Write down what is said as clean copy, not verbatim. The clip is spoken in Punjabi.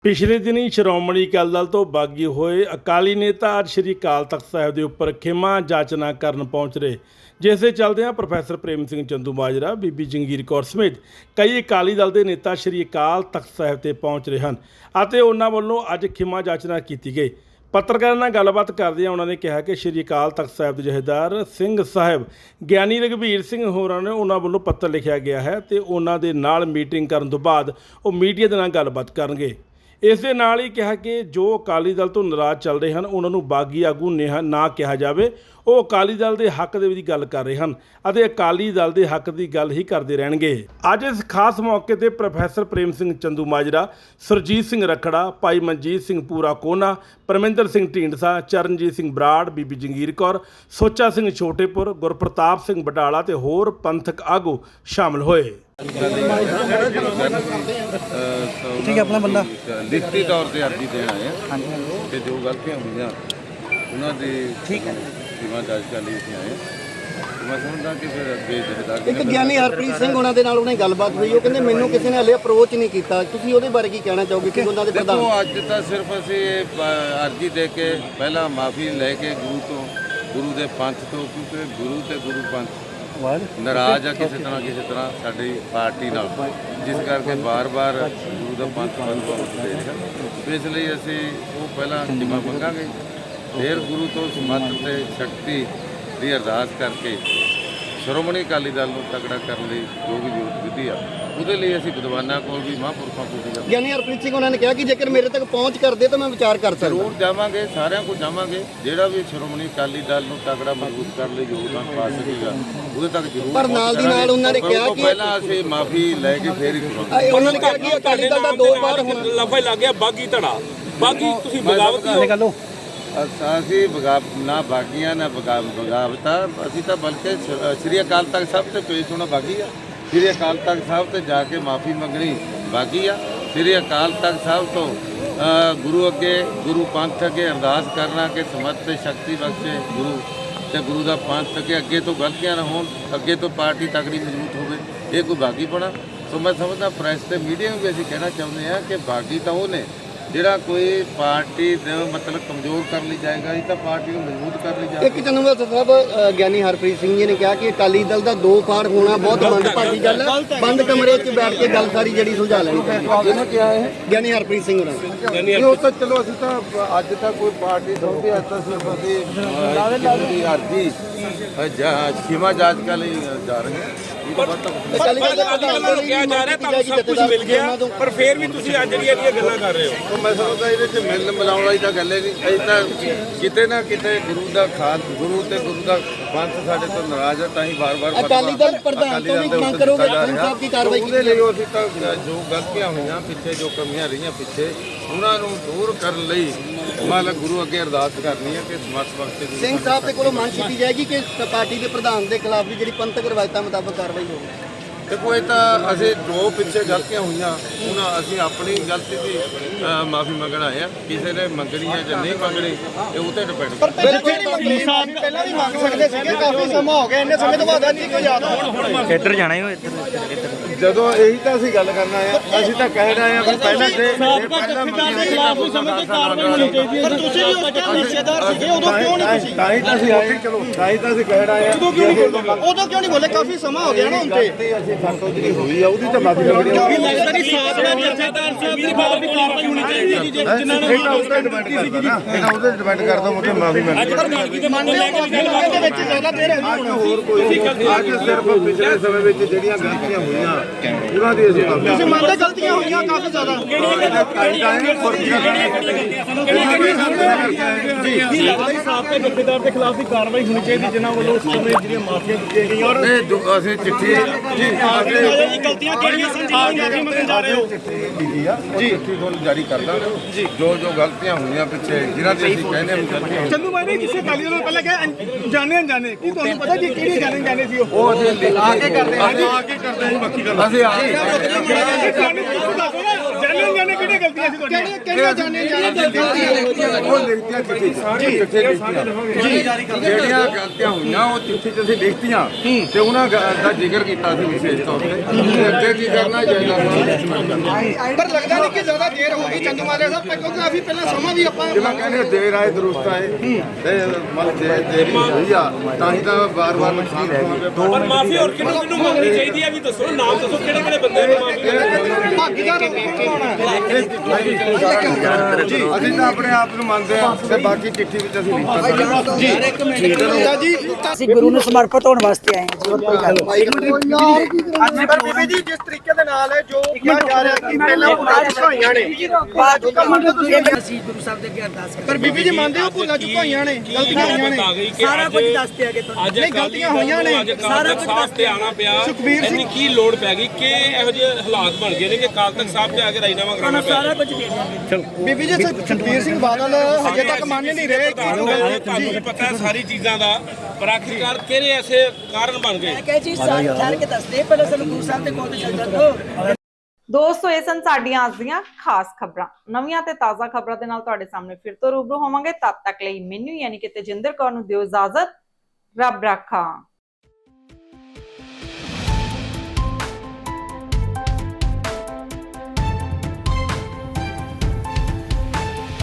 ਪਿਛਲੇ ਦਿਨੀ ਸ਼੍ਰੋਮਣੀ ਅਕਾਲੀ ਦਲ ਤੋਂ ਬਾਗੀ ਹੋਏ ਅਕਾਲੀ ਨੇਤਾ ਅੱਜ ਸ਼੍ਰੀ ਅਕਾਲ ਤਖਤ ਸਾਹਿਬ ਦੇ ਉੱਪਰ ਖਿਮਾ ਜਾਚਨਾ ਕਰਨ ਪਹੁੰਚ ਰਹੇ, ਜਿਸ ਦੇ ਚੱਲਦਿਆਂ ਪ੍ਰੋਫੈਸਰ ਪ੍ਰੇਮ ਸਿੰਘ ਚੰਦੂਮਾਜਰਾ, ਬੀਬੀ ਜੰਗੀਰ ਕੌਰ ਸਮੇਤ ਕਈ ਅਕਾਲੀ ਦਲ ਦੇ ਨੇਤਾ ਸ਼੍ਰੀ ਅਕਾਲ ਤਖਤ ਸਾਹਿਬ ਤੇ ਪਹੁੰਚ ਰਹੇ ਹਨ ਅਤੇ ਉਹਨਾਂ ਵੱਲੋਂ ਅੱਜ ਖਿਮਾ ਜਾਚਨਾ ਕੀਤੀ ਗਈ। ਪੱਤਰਕਾਰਾਂ ਨਾਲ ਗੱਲਬਾਤ ਕਰਦਿਆਂ ਉਹਨਾਂ ਨੇ ਕਿਹਾ ਕਿ ਸ਼੍ਰੀ ਅਕਾਲ ਤਖਤ ਸਾਹਿਬ ਦੇ ਜਥੇਦਾਰ ਸਿੰਘ ਸਾਹਿਬ ਗਿਆਨੀ ਰਘਬੀਰ ਸਿੰਘ ਹੋਰਾਂ ਨੇ ਉਹਨਾਂ ਵੱਲੋਂ ਪੱਤਰ ਲਿਖਿਆ ਗਿਆ ਹੈ ਤੇ ਉਹਨਾਂ ਦੇ ਨਾਲ ਮੀਟਿੰਗ ਕਰਨ ਤੋਂ ਬਾਅਦ ਉਹ ਮੀਡੀਆ ਦੇ ਨਾਲ ਗੱਲਬਾਤ ਕਰਨਗੇ। ਇਸ ਦੇ ਨਾਲ ਹੀ ਕਿਹਾ ਕਿ ਜੋ ਅਕਾਲੀ ਦਲ ਤੋਂ ਨਾਰਾਜ਼ ਚੱਲ ਰਹੇ ਹਨ ਉਹਨਾਂ ਨੂੰ ਬਾਗੀ ਆਗੂ ਨਾ ਕਿਹਾ ਜਾਵੇ। ਉਹ ਅਕਾਲੀ ਦਲ ਦੇ ਹੱਕ ਦੇ ਵਿੱਚ ਗੱਲ ਕਰ ਰਹੇ ਹਨ ਅਤੇ ਅਕਾਲੀ ਦਲ ਦੇ ਹੱਕ ਦੀ ਗੱਲ ਹੀ ਕਰਦੇ ਰਹਿਣਗੇ। ਅੱਜ ਇਸ ਖਾਸ ਮੌਕੇ ਤੇ ਪ੍ਰੋਫੈਸਰ ਪ੍ਰੇਮ ਸਿੰਘ ਚੰਦੂਮਾਜਰਾ, ਸੁਰਜੀਤ ਸਿੰਘ ਰਖੜਾ, ਭਾਈ ਮਨਜੀਤ ਸਿੰਘ ਪੂਰਾ ਕੋਨਾ, ਪਰਮਿੰਦਰ ਸਿੰਘ ਢੀਂਡਸਾ, ਚਰਨਜੀਤ ਸਿੰਘ ਬਰਾੜ, ਬੀਬੀ ਜੰਗੀਰ ਕੌਰ, ਸੋਚਾ ਸਿੰਘ ਛੋਟੇਪੁਰ, ਗੁਰਪ੍ਰਤਾਪ ਸਿੰਘ ਬਟਾਲਾ ਤੇ ਹੋਰ ਪੰਥਕ ਆਗੂ ਸ਼ਾਮਲ ਹੋਏ। ठीक है, अपना बंदा लिखती तौर पर अर्जी देन आए हैं कि जो गलतियां हुई उन्होंने ठीक है। सीमा जांच कर ਲਈ ਅਸੀਂ ਆਏ। ਮੈਂ ਸਮਝਦਾ ਕਿ ਫਿਰ ਅੱਗੇ ਜਥੇਦਾਰ ਇੱਕ ਗਿਆਨੀ ਹਰਪ੍ਰੀਤ ਸਿੰਘ ਉਹਨਾਂ ਦੇ ਨਾਲ ਉਹਨੇ ਗੱਲਬਾਤ ਹੋਈ, ਉਹ ਕਹਿੰਦੇ ਮੈਨੂੰ ਕਿਸੇ ਨੇ ਹਲੇ ਅਪਰੋਚ ਨਹੀਂ ਕੀਤਾ। ਤੁਸੀਂ ਉਹਦੇ ਬਾਰੇ ਕੀ ਕਹਿਣਾ ਚਾਹੋਗੇ ਕਿ ਉਹਨਾਂ ਦੇ ਪ੍ਰਧਾਨ? ਦੇਖੋ, ਅੱਜ ਤਾਂ ਸਿਰਫ ਅਸੀਂ ਅਰਜੀ ਦੇ ਕੇ ਪਹਿਲਾਂ ਮਾਫੀ ਲੈ ਕੇ ਗੁਰੂ ਦੇ ਪੰਥ ਤੋਂ, ਕਿਉਂਕਿ ਗੁਰੂ ਤੇ ਗੁਰੂ ਪੰਥ ਨਾਰਾਜ਼ ਆ ਕਿਸੇ ਤਰ੍ਹਾਂ ਸਾਡੀ ਪਾਰਟੀ ਨਾਲ, ਜਿਸ ਕਰਕੇ ਬਾਰ-ਬਾਰ ਗੁਰੂ ਦਾ ਪੰਥ ਬਦਲਵਾਉਣ ਦੇ ਰਿਹਾ। ਇਸ ਲਈ ਅਸੀਂ ਉਹ ਪਹਿਲਾਂ ਜਿਮਾ ਮੰਗਾਂਗੇ, ਫਿਰ ਗੁਰੂ ਤੋਂ ਸਮੱਤ ਤੇ ਸ਼ਕਤੀ ਦੀ ਅਰਦਾਸ ਕਰਕੇ ਸ਼੍ਰੋਮਣੀ ਅਕਾਲੀ ਦਲ ਨੂੰ ਤਕੜਾ ਕਰਨ ਲਈ ਜੋ ਵੀ ਜ਼ਰੂਰਤ ਵਿਧੀ ਆ ਉਹਦੇ ਲਈ ਅਸੀਂ ਵਿਦਵਾਨਾਂ ਕੋਲ ਵੀ ਮਹਾਂਪੁਰਖਾਂ ਕੋਲ ਵੀ ਗਿਆਨੀ ਹਰਪ੍ਰੀਤ ਸਿੰਘ ਉਹਨਾਂ ਨੇ ਕਿਹਾ ਕਿ ਜੇਕਰ ਮੇਰੇ ਤੱਕ ਪਹੁੰਚ ਕਰਦੇ ਤਾਂ ਮੈਂ ਵਿਚਾਰ ਕਰ ਸਕਦਾ। ਜ਼ਰੂਰ ਜਾਵਾਂਗੇ, ਸਾਰਿਆਂ ਕੋਲ ਜਾਵਾਂਗੇ। ਜਿਹੜਾ ਵੀ ਸ਼੍ਰੋਮਣੀ ਅਕਾਲੀ ਦਲ ਨੂੰ ਤਕੜਾ ਮਜ਼ਬੂਤ ਕਰਨ ਲਈ ਯੋਗਦਾਨ ਪਾ ਸਕੇਗਾ ਉਹਦੇ ਤੱਕ ਜ਼ਰੂਰ। ਪਰ ਨਾਲ ਦੀ ਨਾਲ ਉਹਨਾਂ ਨੇ ਕਿਹਾ ਕਿ ਪਹਿਲਾਂ ਅਸੀਂ ਮਾਫੀ ਲੈ ਕੇ ਫੇਰ ਹੀ ਕਰਾਂਗੇ। ਉਹਨਾਂ ਨੇ ਕਿਹਾ ਕਿ ਅਕਾਲੀ ਦਲ ਦਾ ਦੋ ਵਾਰ ਹੁਣ ਲਫਾ ਲੱਗ ਗਿਆ ਬਾਗੀ ਧੜਾ, ਬਾਗੀ ਤੁਸੀਂ ਬਗਾਵਤ ਕਰ ਲਓ। ਅਸੀਂ ਨਾ ਬਾਗੀਆਂ ਨਾ ਬਗਾਵਤਾਂ, ਅਸੀਂ ਤਾਂ ਬਲਕਿ ਸ਼੍ਰੀ ਅਕਾਲ ਤਖਤ ਸਾਹਿਬ ਤੇ ਪੇਸ਼ ਹੋਣਾ ਬਾਗੀ ਆ। ਸ਼੍ਰੀ ਅਕਾਲ ਤਖਤ ਸਾਹਿਬ ਤੇ ਜਾ ਕੇ ਮਾਫੀ ਮੰਗਣੀ ਬਾਗੀ ਆ। ਸ਼੍ਰੀ ਅਕਾਲ ਤਖਤ ਸਾਹਿਬ ਤੋਂ ਗੁਰੂ ਅੱਗੇ, ਗੁਰੂ ਪੰਥ ਅੱਗੇ ਅਰਦਾਸ ਕਰਨਾ ਕਿ ਸਮੱਤ ਤੇ ਸ਼ਕਤੀ ਬਖਸ਼ੇ ਗੁਰੂ ਤੇ ਗੁਰੂ ਦਾ ਪੰਥ ਅੱਗੇ ਤੋਂ ਗਲਤੀਆਂ ਨਾ ਹੋਣ, ਅੱਗੇ ਤੋਂ ਪਾਰਟੀ ਤਕੜੀ ਮਜ਼ਬੂਤ ਹੋਵੇ। ਇਹ ਕੋਈ ਬਾਗੀ ਬਣਾ। ਸੋ ਮੈਂ ਸਮਝਦਾ ਪ੍ਰੈਸ ਤੇ ਮੀਡੀਆ ਨੂੰ ਵੀ ਅਸੀਂ ਕਹਿਣਾ ਚਾਹੁੰਦੇ ਹਾਂ ਕਿ ਬਾਗੀ ਤਾਂ ਉਹ ਨੇ ਜਿਹੜਾ ਕੋਈ ਪਾਰਟੀ ਨੂੰ ਮਤਲਬ ਕਮਜ਼ੋਰ ਕਰ ਲਈ ਜਾਏਗਾ, ਇਹ ਤਾਂ ਪਾਰਟੀ ਨੂੰ ਮਜ਼ਬੂਤ ਕਰ ਲਈ ਜਾਏਗਾ। ਇੱਕ ਚੰਨੂਵਾਲ ਸਾਹਿਬ ਗਿਆਨੀ ਹਰਪ੍ਰੀਤ ਸਿੰਘ ਜੀ ਨੇ ਕਿਹਾ ਕਿ ਅਕਾਲੀ ਦਲ ਦਾ ਦੋ ਫਾੜ ਹੋਣਾ ਬਹੁਤ ਮੰਦਭਾਗੀ ਗੱਲ ਹੈ, ਬੰਦ ਕਮਰੇ 'ਚ ਬੈਠ ਕੇ ਗੱਲ ਸਾਰੀ ਜਿਹੜੀ ਸੁਲਝਾ ਲੈਣੀ ਚਾਹੀਦੀ। ਕਿਹਾ ਹੈ ਗਿਆਨੀ ਹਰਪ੍ਰੀਤ ਸਿੰਘ ਹੋਣਾ ਉਹ ਤਾਂ ਚਲੋ ਅਸੀਂ ਤਾਂ ਅੱਜ ਤਾਂ ਕੋਈ ਪਾਰਟੀ ਸੌਂਪੀ, ਅੱਜ ਤਾਂ ਸਿਰਫ ਅਸੀਂ ਅਰਜੀ ਖਿਮਾ ਜਾਚ ਕਰ ਲਈ ਜਾ ਰਹੇ ਹਾਂ। ਅਕਾਲੀ ਦਲ ਦੇ ਪ੍ਰਧਾਨ ਨੂੰ ਕਿਹਾ ਜਾ ਰਿਹਾ ਤੁਹਾਨੂੰ ਸਭ ਕੁਝ ਮਿਲ ਗਿਆ, ਪਰ ਫਿਰ ਵੀ ਤੁਸੀਂ ਅੱਜ ਜਿਹੜੀਆਂ ਗੱਲਾਂ ਕਰ ਰਹੇ ਹੋ। ਮੈਂ ਸਮਝਦਾ ਇਹਦੇ 'ਚ ਮਿਲਣ ਮਿਲਾਉਣ ਵਾਲੀ ਤਾਂ ਗੱਲ ਹੀ ਨਹੀਂ। ਅਸੀਂ ਤਾਂ ਕਿਤੇ ਨਾ ਕਿਤੇ ਗੁਰੂ ਦਾ ਖਾਨ, ਗੁਰੂ ਤੇ ਗੁਰੂ ਦਾ ਪੰਥ ਸਾਡੇ ਤੋਂ ਨਾਰਾਜ਼ ਹੈ, ਤਾਂ ਹੀ ਵਾਰ-ਵਾਰ ਅਕਾਲੀ ਦਲ ਪ੍ਰਧਾਨ ਤੋਂ ਵੀ ਮੰਗ ਕਰੋਗੇ ਸਿੰਘ ਸਾਹਿਬ ਦੀ ਕਾਰਵਾਈ ਉਹਦੇ ਲਈ ਅਸੀਂ ਤਾਂ ਜੋ ਗਲਤੀਆਂ ਹੋਈਆਂ ਪਿੱਛੇ, ਜੋ ਕਮੀਆਂ ਰਹੀਆਂ ਪਿੱਛੇ, ਉਹਨਾਂ ਨੂੰ ਦੂਰ ਕਰਨ ਲਈ ਮਾਲਕ ਗੁਰੂ ਅੱਗੇ ਅਰਦਾਸ ਕਰਨੀ ਹੈ ਕਿ ਸਮਰਥ ਬਖਸ਼ੇ। ਸਿੰਘ ਸਾਹਿਬ ਦੇ ਕੋਲੋਂ ਮੰਗ ਕੀਤੀ ਜਾਏਗੀ ਕਿ ਪਾਰਟੀ ਦੇ ਪ੍ਰਧਾਨ ਦੇ ਖਿਲਾਫ ਵੀ ਜਿਹੜੀ ਪੰਥਕ ਰਵਾਇਤਾਂ ਮੁਤਾਬਕ ਕਾਰਵਾਈ ਹੋਵੇ। ਦੇਖੋ, ਇਹ ਤਾਂ ਅਸੀਂ ਜੋ ਪਿੱਛੇ ਗਲਤੀਆਂ ਹੋਈਆਂ ਉਹਨਾਂ ਅਸੀਂ ਆਪਣੀ ਗਲਤੀ ਦੀ ਮਾਫੀ ਮੰਗਣ ਆਏ ਆ। ਕਿਸੇ ਨੇ ਮੰਗਣੀ ਹੈ ਜਾਂ ਨਹੀਂ ਮੰਗਣੀ ਇਹ ਉਹ ਤੇ ਡਿਪੈਂਡ ਕਰਦਾ। ਪਹਿਲਾਂ ਵੀ ਮੰਗ ਸਕਦੇ ਸੀਗੇ, ਕਾਫੀ ਸਮਾਂ ਹੋ ਗਿਆ, ਇੰਨੇ ਸਮੇਂ ਤੋਂ ਬਾਅਦ ਨਹੀਂ ਕੋਈ ਯਾਦ ਆਉਣਾ। ਇੱਧਰ ਜਾਣਾ ਹੀ ਇੱਧਰ ਜਦੋਂ ਇਹੀ ਤਾਂ ਅਸੀਂ ਗੱਲ ਕਰਨਾ ਹੈ, ਅਸੀਂ ਤਾਂ ਕਹਿ ਰਹੇ ਹਾਂ ਕਿ ਪਹਿਲਾਂ ਤੇ ਪਹਿਲਾਂ ਮੰਗੀਆਂ ਖਿਲਾਫ ਵੀ ਸਮੇਂ ਤੇ ਕਾਰਵਾਈ ਹੋਣੀ ਚਾਹੀਦੀ ਹੈ। ਪਰ ਤੁਸੀਂ ਵੀ ਉਸ ਟਾਈਮ ਹਿੱਸੇਦਾਰ ਸੀਗੇ, ਉਦੋਂ ਕਿਉਂ ਨਹੀਂ ਤੁਸੀਂ? ਤਾਂ ਹੀ ਤਾਂ ਅਸੀਂ ਆਏ, ਚਲੋ ਤਾਂ ਹੀ ਤਾਂ ਅਸੀਂ ਕਹਿ ਰਹੇ ਹਾਂ। ਉਦੋਂ ਕਿਉਂ ਨਹੀਂ ਬੋਲੇ? ਕਾਫੀ ਸਮਾਂ ਹੋ ਗਿਆ ਨਾ ਹੁਣ ਤੇ। ਅਸੀਂ ਸਾਤੋਂ ਜਿਹੜੀ ਹੋਈ ਆ ਉਹਦੀ ਤਾਂ ਮਾਫੀ ਮੰਗਣੀ ਆ। ਲੱਗਦਾ ਨਹੀਂ ਸਾਥ ਦਾ ਜਥੇਦਾਰ ਸਾਹਿਬ ਦੀ ਬਾਤ ਵੀ ਕਾਰਵਾਈ ਹੋਣੀ ਚਾਹੀਦੀ ਹੈ ਜਿਨ੍ਹਾਂ ਨੇ ਇਹ ਤਾਂ ਉਹਦੇ ਡਿਪੈਂਡ ਕਰਦਾ ਨਾ, ਇਹ ਤਾਂ ਉਹਦੇ ਡਿਪੈਂਡ ਕਰਦਾ ਮੁਝੇ ਮਾਫੀ ਮੰਗਣੀ। ਦੇ ਵਿੱਚ ਜ਼ਿਆਦਾ ਦੇਰ ਹੈ ਅੱਜ ਹੋਰ ਕੋਈ ਅੱਜ ਸਿਰਫ ਪਿਛਲੇ ਸਮੇਂ ਵਿੱਚ ਜਿਹੜੀਆਂ ਗਲਤੀਆਂ ਹੋਈਆਂ ਉਹਨਾਂ ਦੀ ਅਸੀਂ ਮਾਫੀ ਤੁਸੀਂ ਮੰਨਦੇ ਗਲਤੀਆਂ ਹੋਈਆਂ ਕਾਫੀ ਜ਼ਿਆਦਾ। ਸਾਬਕਾ ਜਥੇਦਾਰ ਦੇ ਖਿਲਾਫ ਵੀ ਕਾਰਵਾਈ ਹੋਣੀ ਚਾਹੀਦੀ ਜਿਨ੍ਹਾਂ ਵੱਲੋਂ ਉਸ ਸਮੇਂ ਜਿਹੜੀਆਂ ਮਾਫੀਆਂ ਦਿੱਤੀਆਂ ਗਈਆਂ। ਅਸੀਂ ਚਿੱਠੀ ਗਲਤੀਆਂ ਕਿਹੜੀਆਂ ਸੰਜੀਵ ਮੰਗਣ ਜਾ ਰਹੇ ਹੋ? ਲਿਖੀ ਆ ਉਹ ਚਿੱਠੀ ਤੁਹਾਨੂੰ ਜਾਰੀ ਕਰਦਾ ਜੋ ਗਲਤੀਆਂ ਹੋਈਆਂ ਪਿੱਛੇ ਜਿਹਨਾਂ ਦੀ ਅਸੀਂ ਕਹਿੰਦੇ ਹਾਂ ਗਲਤੀਆਂ। ਚੰਦੂ ਬਾਈ ਨੇ ਕਿਸੇ ਅਕਾਲੀ ਦਲ ਨੂੰ ਪਹਿਲਾਂ ਕਿਹਾ ਜਾਣੇ ਅਣਜਾਣੇ, ਕੀ ਤੁਹਾਨੂੰ ਪਤਾ ਜੀ ਕਿਹੜੀ ਜਾਣੇ ਸੀ ਉਹ? ਅਸੀਂ ਆ ਕੇ ਕਰਦੇ ਹਾਂ, ਬਾਕੀ ਕਰਦੇ ਹਾਂ ਬਾਕੀ ਗੱਲ ਅਸੀਂ ਜਾਣੇ ਅਣਜਾਣੇ ਕਿਹੜੇ ਗਲਤੀਆਂ ਸੀ ਤੁਹਾਡੀਆਂ ਕਿਹੜੀਆਂ ਜਾਣੇ ਉਹ ਲਿਖਤੀਆਂ ਜਿਹੜੀਆਂ ਗਲਤੀਆਂ ਹੋਈਆਂ ਉਹ ਚਿੱਠੀ 'ਚ ਅਸੀਂ ਲਿਖਤੀਆਂ ਤੇ ਉਹਨਾਂ ਦਾ ਜ਼ਿਕਰ ਕੀਤਾ ਸੀ ਵਿਸ਼ੇਸ਼ ਤੌਰ ਤੇ ਅੱਗੇ ਕੀ ਕਰਨਾ ਚਾਹੀਦਾ। ਪਰ ਲੱਗਦਾ ਨਹੀਂ ਕਿ ਜ਼ਿਆਦਾ ਦੇਰ ਹੋ ਗਈ ਚੰਦੂਮਾਜਰਾ ਸਾਹਿਬ ਕਿਉਂਕਿ ਕਾਫੀ ਪਹਿਲਾਂ ਸਮਾਂ ਵੀ ਆਪਾਂ ਜਿਵੇਂ ਕਹਿੰਦੇ ਦੇਰ ਆਏ ਦਰੁਸਤ ਆਏ ਤੇ ਮਤਲਬ ਦੇਰੀ ਹੋਈ ਆ ਤਾਂ ਹੀ ਤਾਂ ਵਾਰ-ਵਾਰ ਨੁਕਸਾਨ ਹੋਵੇ। ਪਰ ਮਾਫੀ ਹੋਰ ਕਿਹਨੂੰ ਮੰਗਣੀ ਚਾਹੀਦੀ ਹੈ ਵੀ ਦੱਸੋ, ਨਾਮ ਦੱਸੋ ਕਿਹੜੇ ਕਿਹੜੇ ਬੰਦੇ ਨੂੰ ਮਾਫੀ ਭਾਗੀਦਾਰ ਅਸੀਂ ਤਾਂ ਆਪਣੇ ਆਪ ਨੂੰ ਮੰਨਦੇ ਆ ਤੇ ਬਾਕੀ ਚਿੱਠੀ ਵਿੱਚ ਅਸੀਂ ਲਿਖਤਾ ਜੀ। ਅਸੀਂ ਗੁਰੂ ਨੂੰ ਸਮਰਪਿਤ ਹੋਣ ਵਾਸਤੇ ਆਏ ਹਾਂ ਜੀ, ਹੋਰ ਕੋਈ ਗੱਲ ਨਹੀਂ। ਪਰ ਬੀਬੀ ਜੀ ਜਿਸ ਤਰੀਕੇ ਦੇ ਨਾਲ ਜੋ ਕਿਹਾ ਜਾ ਰਿਹਾ ਕਿ ਪਹਿਲਾਂ ਭੁੱਲਾਂ ਚੁਕਾਈਆਂ ਨੇ ਅਸੀਂ ਗੁਰੂ ਸਾਹਿਬ ਦੇ ਅੱਗੇ ਅਰਦਾਸ ਪਰ ਬੀਬੀ ਜੀ ਮੰਨਦੇ ਹੋ ਭੁੱਲਾਂ ਚੁਕਾਈਆਂ ਨੇ ਗਲਤੀਆਂ ਹੋਈਆਂ ਨੇ ਆ ਗਈ ਕਿ ਸਾਰਾ ਕੁਝ ਦੱਸਦੇ ਆਗੇ ਤੁਹਾਨੂੰ। ਅੱਜ ਨਹੀਂ, ਗਲਤੀਆਂ ਹੋਈਆਂ ਨੇ। ਸਾਰਾ ਕੁਝ ਸਾਫ਼ ਤੇ ਆਣਾ ਪਿਆ। ਸੁਖਬੀਰ ਸਿੰਘ ਇੰਨੀ ਕੀ ਲੋੜ ਪੈ ਗਈ ਕਿ ਇਹੋ ਜਿਹੇ ਹਾਲਾਤ ਬਣ ਗਏ ਨੇ ਕਿ ਅਕਾਲ ਤਖਤ ਸਾਹਿਬ ਤੇ ਆ ਕੇ ਰਾਜੀਨਾਮਾ ਕਰਾਉਣਾ ਪਿਆ। ਸਾਰਾ ਕੁਝ ਦੇ ਦਿਆਂਗੇ। ਬੀਬੀ ਜੀ ਸੁਖਬੀਰ ਸਿੰਘ ਬਾਦਲ ਹਜੇ ਤੱਕ ਮੰਨ ਨਹੀਂ ਰਹੇ ਤੁਹਾਨੂੰ ਵੀ ਪਤਾ ਹੈ ਸਾਰੀ ਚੀਜ਼ਾਂ ਦਾ, ਪਰ ਆਖਿਰਕਾਰ ਕਿਹੜੇ ਐਸੇ ਕਾਰਨ ਬਣ ਗਏ। ਮੈਂ ਕਹੇ ਜੀ ਸਾਰੇ ਠਹਿਰ ਕੇ ਦੱਸਦੇ, ਪਹਿਲਾਂ ਸਾਨੂੰ ਗੁਰੂ ਸਾਹਿਬ ਦੇ ਕੋਲ ਤੇ ਚੱਲ ਜਾਂਦੋ। ਦੋਸਤੋ ਇਹ ਸਨ ਸਾਡੀਆਂ ਅੱਜ ਦੀਆਂ ਖਾਸ ਖਬਰਾਂ। ਨਵੀਆਂ ਤੇ ਤਾਜ਼ਾ ਖਬਰਾਂ ਦੇ ਨਾਲ ਤੁਹਾਡੇ ਸਾਹਮਣੇ ਫਿਰ ਤੋਂ ਰੂਬਰੂ ਹੋਵਾਂਗੇ। ਤਦ ਤੱਕ ਲਈ ਮੈਨੂੰ ਯਾਨੀ ਕਿ ਤੇਜਿੰਦਰ ਕੌਰ ਨੂੰ ਦਿਓ ਇਜਾਜ਼ਤ। ਰੱਬ ਰਾਖਾ।